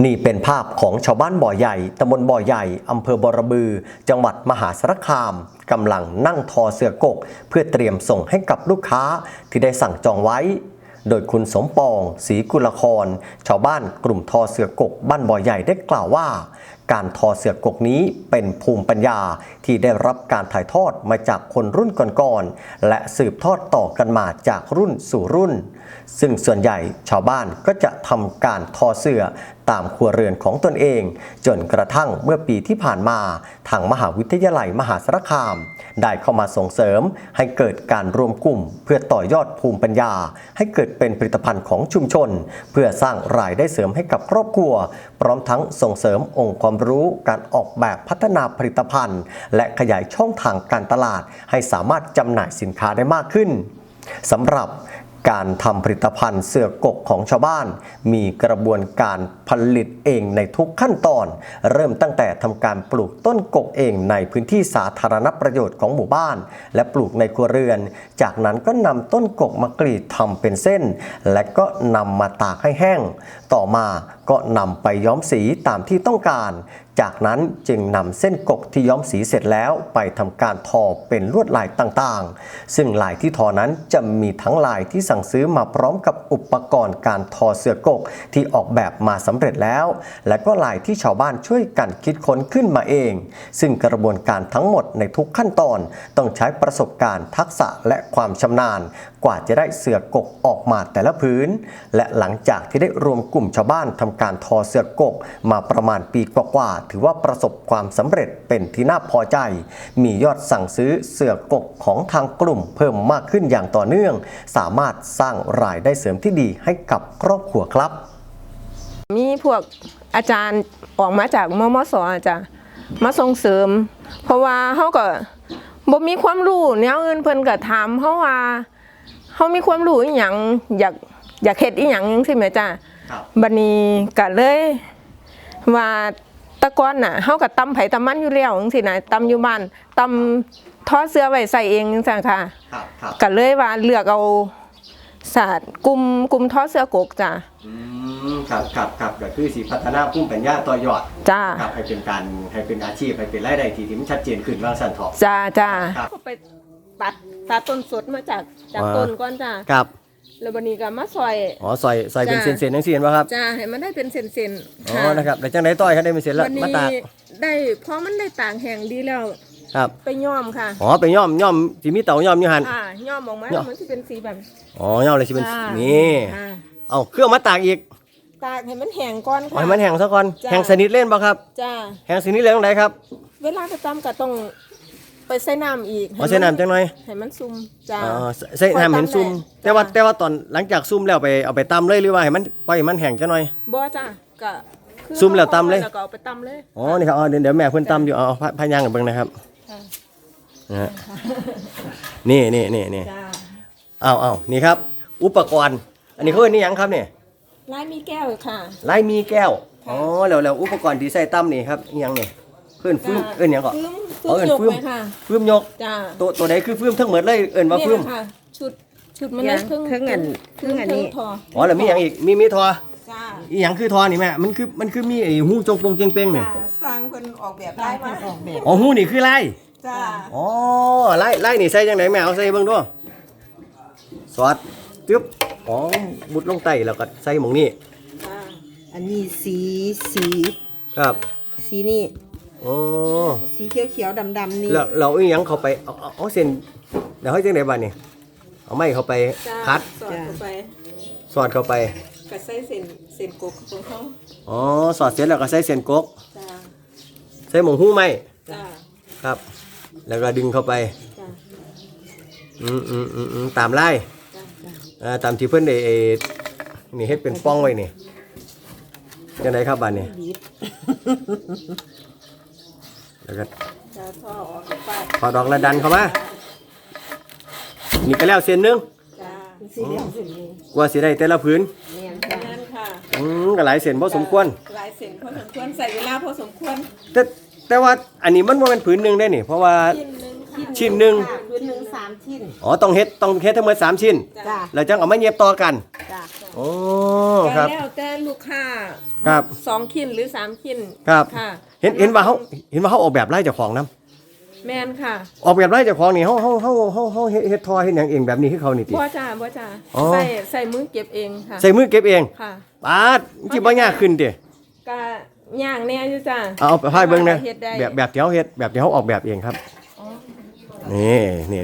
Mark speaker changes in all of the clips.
Speaker 1: นี่เป็นภาพของชาวบ้านบ่อใหญ่ตำบลบ่อใหญ่อำเภอบอระบือจังหวัดมหาสารคามกำลังนั่งทอเสือกกเพื่อเตรียมส่งให้กับลูกค้าที่ได้สั่งจองไว้โดยคุณสมปองศรีกุลครชาวบ้านกลุ่มทอเสือกกบ้านบ่อใหญ่ได้กล่าวว่าการทอเสือกกนี้เป็นภูมิปัญญาที่ได้รับการถ่ายทอดมาจากคนรุ่นก่อนๆและสืบทอดต่อกันมาจากรุ่นสู่รุ่นซึ่งส่วนใหญ่ชาวบ้านก็จะทำการทอเสื่อตามครัวเรือนของตนเองจนกระทั่งเมื่อปีที่ผ่านมาทางมหาวิทยาลัยมหาสารคามได้เข้ามาส่งเสริมให้เกิดการรวมกลุ่มเพื่อต่อยอดภูมิปัญญาให้เกิดเป็นผลิตภัณฑ์ของชุมชนเพื่อสร้างรายได้เสริมให้กับครอบครัวพร้อมทั้งส่งเสริมองค์ความรู้การออกแบบพัฒนาผลิตภัณฑ์และขยายช่องทางการตลาดให้สามารถจำหน่ายสินค้าได้มากขึ้นสำหรับการทำผลิตภัณฑ์เสือกกของชาวบ้านมีกระบวนการผลิตเองในทุกขั้นตอนเริ่มตั้งแต่ทำการปลูกต้นกกเองในพื้นที่สาธารณประโยชน์ของหมู่บ้านและปลูกในครัวเรือนจากนั้นก็นำต้นกกมากรีดทำเป็นเส้นและก็นำมาตากให้แห้งต่อมาก็นำไปย้อมสีตามที่ต้องการจากนั้นจึงนำเส้นกกที่ย้อมสีเสร็จแล้วไปทำการทอเป็นลวดลายต่างๆซึ่งลายที่ทอนั้นจะมีทั้งลายที่สั่งซื้อมาพร้อมกับอุปกรณ์การทอเสือกกที่ออกแบบมาสำเร็จแล้วและก็ลายที่ชาวบ้านช่วยกันคิดค้นขึ้นมาเองซึ่งกระบวนการทั้งหมดในทุกขั้นตอนต้องใช้ประสบการณ์ทักษะและความชำนาญกว่าจะได้เสือกกออกมาแต่ละพื้นและหลังจากที่ได้รวมกลุ่มชาวบ้านทำการทอเสือกกมาประมาณปีกว่าๆถือว่าประสบความสำเร็จเป็นที่น่าพอใจมียอดสั่งซื้อเสือกกของทางกลุ่มเพิ่มมากขึ้นอย่างต่อเนื่องสามารถสร้างรายได้เสริมที่ดีให้กับครอบครัวครับ
Speaker 2: มีพวกอาจารย์ออกมาจากมมส.จ้ะมาส่งเสริมเพราะว่าเขาก็บ่มีความรู้แนวอื่นเพิ่นก็ถามเขาว่าเขามีความรู้อีหยังอยากเฮ็ดอีหยังจังซี่แม่จ้ะบัดนี้ก็เลยว่าตะกอนน่ะเฮาก็ตำไผตำมันอยู่แล้วจังซี่นะตำอยู่บ้านตำทอเสื้อไว้ใส่เองจังซั่นค่ะก็เลยว่าเลือกเอาศาสตร์กลุ่มทอเสื้อกกจ้ะ
Speaker 1: ครับก็คือสิพัฒนาภูมิปัญญาต่อยอด
Speaker 2: จ้า
Speaker 1: ครับให้เป็นอาชีพให้เป็นรายได้ที่มันชัดเจนขึ้นว่าสั่นเถาะ
Speaker 2: จ้าไปตัดต้นสดมาจากต้นก่อนจ้า
Speaker 1: ครับ
Speaker 2: แล้วบัดนี้ก็มาซอย
Speaker 1: ซอยเป็นเส้นๆจังซี่เห็นบ่ครับ
Speaker 2: จ้าให้มันได้เป็นเส้นๆ
Speaker 1: อ๋อนะครับแล้วจังได๋ต้อยให้ได้เป็นเส้นแล้วมาตาก
Speaker 2: ได้พอมันได้ตากแห้งดีแล้ว
Speaker 1: ครับ
Speaker 2: ไปย้อมค่ะ
Speaker 1: อ๋อไปย้อมสิมีเตาย้อมอยู่หั่น
Speaker 2: ย้อมออกมามันสิเป็นสีแบบ
Speaker 1: อ๋อย้อมเลยสิเป็นนี่เอาเครื่องมาตากอีก
Speaker 2: ตากให้มันแห้งก่อนค่ะ
Speaker 1: ให้มันแห้งซะก่อนแห้งสนิทเล่นบ่ครับ
Speaker 2: จ้า
Speaker 1: แห้งสนิทเลยตรงไหนครับ
Speaker 2: เวลาจะตำก็ต้องไปใส่น้ำอีก
Speaker 1: ใส่น้ำจังหน่อย
Speaker 2: ให้มันซุ่มจ้า
Speaker 1: ใส่น้ำเห็นซุ่มแต่ว่าตอนหลังจากซุ่มแล้วเอาไปตำเลยหรือว่าให้มันปล่อยมันแห้งจังหน่อย
Speaker 2: บ่จ้าก็
Speaker 1: ซุ่มแล้วตำเลย
Speaker 2: แล้วก็เอาไปตำเลย
Speaker 1: อ๋อนี่ครับเดี๋ยวแม่เพิ่นตำอยู่เอาพายางกันเบิ่งนะครับนี่เอานี่ครับอุปกรณ์อันนี้เขาเรียกนี่ยังครับเนี่ย
Speaker 2: ลายมีแก้วค่ะ
Speaker 1: ลายมีแก้วอ๋อแล้วอุปกรณ์ที่ใส่ตั้มนี่ครับยังเนี่ยเพื่อนฟื้มยังก่อน
Speaker 2: ฟื้มค่ะ
Speaker 1: ฟื้มยก
Speaker 2: จ้า
Speaker 1: ตัวไหนคือฟื้มทั้งหมดเลยว่าฟื้ม
Speaker 2: ชุดมันเลยเครื่องอันนี้
Speaker 1: อ๋อแล้วมีอย่างอีกมีทอจ้าอีหยังคือทอนี่แม่มันคือมีไอ้หูจงปงเจงเป้งเนี่ย
Speaker 2: สร้างคนออกแบบลายมา
Speaker 1: อ๋อหูนี่คือลาย
Speaker 2: จ้า
Speaker 1: อ๋อไล่นี่ใส่จังไหนแม่เอาใส่เบิ่งด้วยสอดตึ๊บอ๋อบุดลงไตแล้วก็ใส่หม่องนี้
Speaker 2: อันนี้สี
Speaker 1: ครับ
Speaker 2: สีนี่
Speaker 1: อ๋อ
Speaker 2: สีเขียวๆดำๆนี่
Speaker 1: แล้วเราอีหยังเข้าไปเอาเส้นเดี๋ยวให้จังได๋บัดนี้เอาไม้เข้าไปคัดสอดเข้าไป
Speaker 2: ก็ใส่เส้นกกของเขา
Speaker 1: อ๋อสอดเสร็จแล้วก็ใส่เส้นกกใส่หม่องหู้ไม้ครับแล้วก็ดึงเข้าไปตามไล่ตามที่เพิ่นได้นี่เฮ็ดเป็นป้องไว้นี่จังได๋ครับบัดนี้แล้วก็ถอดออกแล้วดันเข้ามานี่ก็แล้วเส้นนึงกว่าสิได้แต่ละผืนก็หลายเส้นพอสมควร
Speaker 2: หลายเส้นพอสมควรใส่เวลาพอสมควร
Speaker 1: แต่ว่าอันนี้มันบ่แม่นผืนนึงได้นี่เพราะว่าชิ้นนึง
Speaker 2: ผืนนึง3ชิ้น
Speaker 1: อ๋อต้องเฮ็ดทั้งหมด3ชิ้นแล้วจังเอามาเย็บต่อกันโอ้
Speaker 2: ก็
Speaker 1: ครับ
Speaker 2: แล้วแต่ลูกค้า
Speaker 1: ครับ
Speaker 2: 2ขิ้นหรือ3ขิ้น
Speaker 1: ครับ
Speaker 2: ค่ะ
Speaker 1: เห็นว่าเขาออกแบบไล่เจ้าของนํ
Speaker 2: แม่นค่ะ
Speaker 1: ออกแบบไล่เจ้าของนี่เขาเฮ็ดทอเฮ็ดหยังเองแบบนี้คือเขานี่ติ
Speaker 2: บ่จ้าบ่จ้า
Speaker 1: อ๋อ
Speaker 2: ใส่มือเก็บเองค่ะ
Speaker 1: ใส่มือเก็บเอง
Speaker 2: ค่ะ
Speaker 1: ปาดจิบ่ยากขึ้นติ
Speaker 2: ก็ย่างแน่อยู่จ้า
Speaker 1: เอาไปพายเบิ่งนะ
Speaker 2: ฮ็ดได้
Speaker 1: แบบที่เขาเฮ็ดแบบที่เขาออกแบบเองครับ
Speaker 2: อ๋อ
Speaker 1: นี่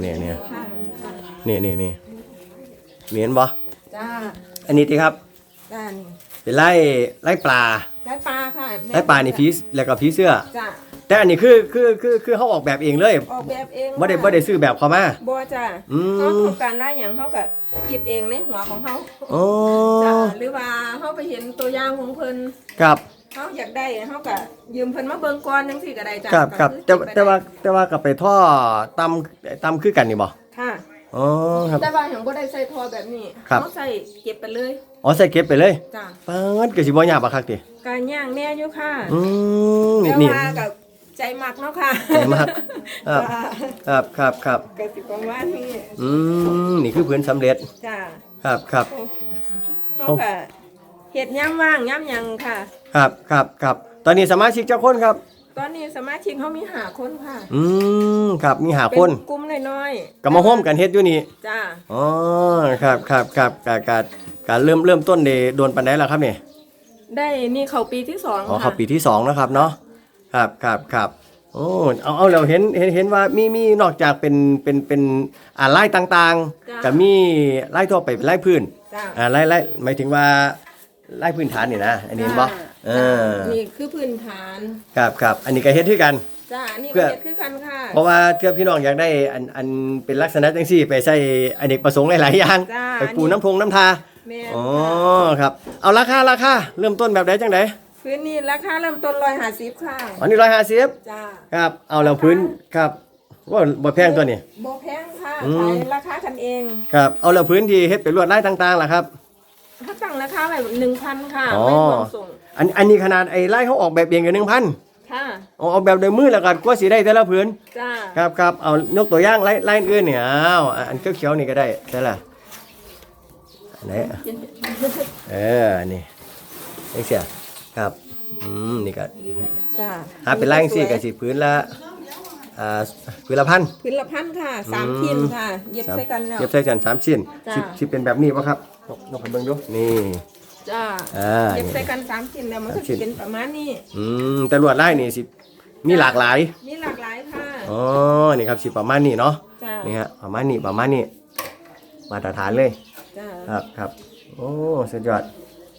Speaker 2: ค่ะค่ะ
Speaker 1: นี่เห็นบ่
Speaker 2: จ้า
Speaker 1: อันนี้ติครับ
Speaker 2: จ้านี่
Speaker 1: เป็นไล่ปลา
Speaker 2: ได้ปลาค่ะแม่
Speaker 1: ไล่ปลานี่ผีแล้วก็ผีเสื้อ
Speaker 2: จ้า
Speaker 1: แต่อันนี้คือเขาออกแบบเองเลย
Speaker 2: ออกแบบเอง
Speaker 1: บ่ได้ซื้อแบบเขามา
Speaker 2: บ่จ้า
Speaker 1: อืม
Speaker 2: เขาต้องการได้หยังเขาก็คิดเองในหัวของเขา
Speaker 1: โอ้
Speaker 2: จ้าหรือว่าเขาไปเห็นตัวอย่างของเพิ่น
Speaker 1: ครับ
Speaker 2: เขาอยากได้เขาก็ยืมเพิ่นมาเบิ่งก่อนจังซี่ก็ได้จ้า
Speaker 1: ครับ
Speaker 2: ก็คือ
Speaker 1: แต่ว่ากับไปท่อตำคือกันนี่บ่
Speaker 2: ค่ะ
Speaker 1: อ๋อครับ
Speaker 2: แต่ว่าอย่างบ่ได้ใส่ทอแบบนี้
Speaker 1: ครับ
Speaker 2: เขาใส่เก็บไปเลย
Speaker 1: อ๋อใส่เก็บไปเลย
Speaker 2: จ้า
Speaker 1: ปาดก็สิบ่ยากบ่คักติ
Speaker 2: การย่างแน่อยู่ค่ะ
Speaker 1: นี่
Speaker 2: แต่
Speaker 1: นี่
Speaker 2: ว่ากับใจมักเนาะค่ะ
Speaker 1: ใจมัก ครับ
Speaker 2: จ้า
Speaker 1: ครับ
Speaker 2: ก็สิประมาณนี้
Speaker 1: นี่คือพื้นสำเร็จ
Speaker 2: จ้า
Speaker 1: ครับ
Speaker 2: เขาก็เฮ็ดย่ำว่างย่ำหยังค่ะ
Speaker 1: ครับตอนนี้สมาชิกเจ้าคนครับ
Speaker 2: ตอนนี้สมาชิกเขามี5คนค่ะ
Speaker 1: ครับมีหา
Speaker 2: เป็
Speaker 1: คน
Speaker 2: กลุ่มน้อย
Speaker 1: ก็มาร่วมกันเฮ็ดอยู่นี่
Speaker 2: ๆจ้า
Speaker 1: อ๋อครับการเริ่มต้นได้โดนปานใดล่ะครับนี่
Speaker 2: ได้นี่เข้าปีที่2
Speaker 1: อ๋อ
Speaker 2: ค่ะ
Speaker 1: เข้าปีที่2นะครับเนาะครับโอ้เอาแล้วเห็นว่ามีนอกจากเป็นไล่ต่างๆก็มีไล่ทั่วไปเป็นไล่พื้น
Speaker 2: จ้า
Speaker 1: ไล่หมายถึงว่าไล่พื้นฐานนี่นะอันนี้เห็นบ่
Speaker 2: จ้านี่คือพื้นฐาน
Speaker 1: ครับอันนี้ก็เฮ็ดคือกัน
Speaker 2: จ้าอันนี้
Speaker 1: เพื่
Speaker 2: ก็
Speaker 1: อ
Speaker 2: เฮ็ดคือกันค่ะ
Speaker 1: เพราะว่าเทื่อพี่น้องอยากได้อันเป็นลักษณะจังซี่ไปใช้อเนกประสงค์หลายๆอย่าง
Speaker 2: จ้า
Speaker 1: ไปปูน้ำทา
Speaker 2: แม่น
Speaker 1: อ๋อ
Speaker 2: ค่ะ
Speaker 1: ครับเอาราคาเริ่มต้นแบบใดจังได
Speaker 2: พื้นนี้ราคาเริ่มต้น150ค่ะ
Speaker 1: อันนี้150
Speaker 2: จ้า
Speaker 1: ครับเอาแล้วพื้นครับว่าบ่แพงตัวนี้
Speaker 2: บ่แพงค่ะ
Speaker 1: อืม
Speaker 2: ขายราคากันเอง
Speaker 1: ครับเอาแล้วพื้นที่เฮ็ดเป็นลวดลายต่างๆล่ะครับ
Speaker 2: ถ้าตั้งราคาไว้1,000ค่ะ
Speaker 1: อ๋อ
Speaker 2: ไม่รวมส่ง
Speaker 1: อันนี้ขนาดไอ้ลายเขาออกแบบเองกัน 1,000
Speaker 2: ค่ะ
Speaker 1: เอาแบบโดยมือแล้วก็กว่าสิได้แต่ละพื้น
Speaker 2: จ้า
Speaker 1: ครับเอายกตัวอย่างลายอื่นเนี่ยเอาอันเขียวๆนี่ก็ได้ใช่ล่ะอันไหนอันนี้นี่เสียครับนี่ก็
Speaker 2: จ้า
Speaker 1: เป็นลายจังซี่ก็สิพื้นละพื้นละพัน
Speaker 2: พื้นละ1,000ค่ะ3ชิ้นค่ะ เย็บใส่กันแล้ว
Speaker 1: เย็บใส่กัน3ชิ้น
Speaker 2: จ้ะ
Speaker 1: สิเป็นแบบนี้ป่ะครับยกให้เบิ่งดูนี่
Speaker 2: จ้า เย็บใส่กัน3ชิ้นแล้วมันก็
Speaker 1: 3ชิ้
Speaker 2: สิ
Speaker 1: น
Speaker 2: เป็นประมาณนี้
Speaker 1: แต่ลวดลายนี่สิมีหลากหลาย
Speaker 2: มีหลากหลายค่ะ
Speaker 1: อ๋อนี่ครับสิประมาณนี้เนาะ
Speaker 2: จ้า
Speaker 1: นี่ฮะประมาณนี้มาตรฐานเลย
Speaker 2: จ้า
Speaker 1: ครับโอ้สุดยอด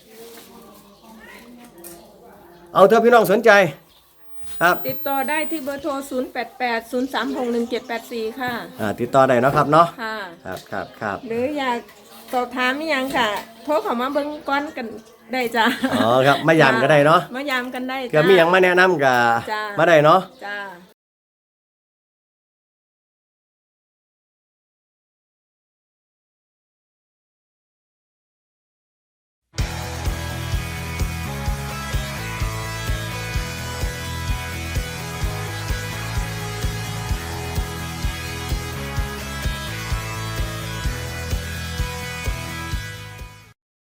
Speaker 1: เอาเถอะพี่น้องสนใจครับ
Speaker 2: ติดต่อได้ที่เบอร์โทร 0880361784 ค่ะ
Speaker 1: ติดต่อได้เนาะครับเนาะ
Speaker 2: ค่ะ
Speaker 1: ครับ
Speaker 2: หรืออยากสอบถามอีหยังค่ะ โทรเข้ามาเบิ่งก่อนกันได้จ้า
Speaker 1: อ๋อครับมายามก็ได้เนาะ
Speaker 2: มายามกันได้
Speaker 1: เกิดมีหยังมาแนะนำก็
Speaker 2: จ้า
Speaker 1: มาได้เนาะ
Speaker 2: จ้า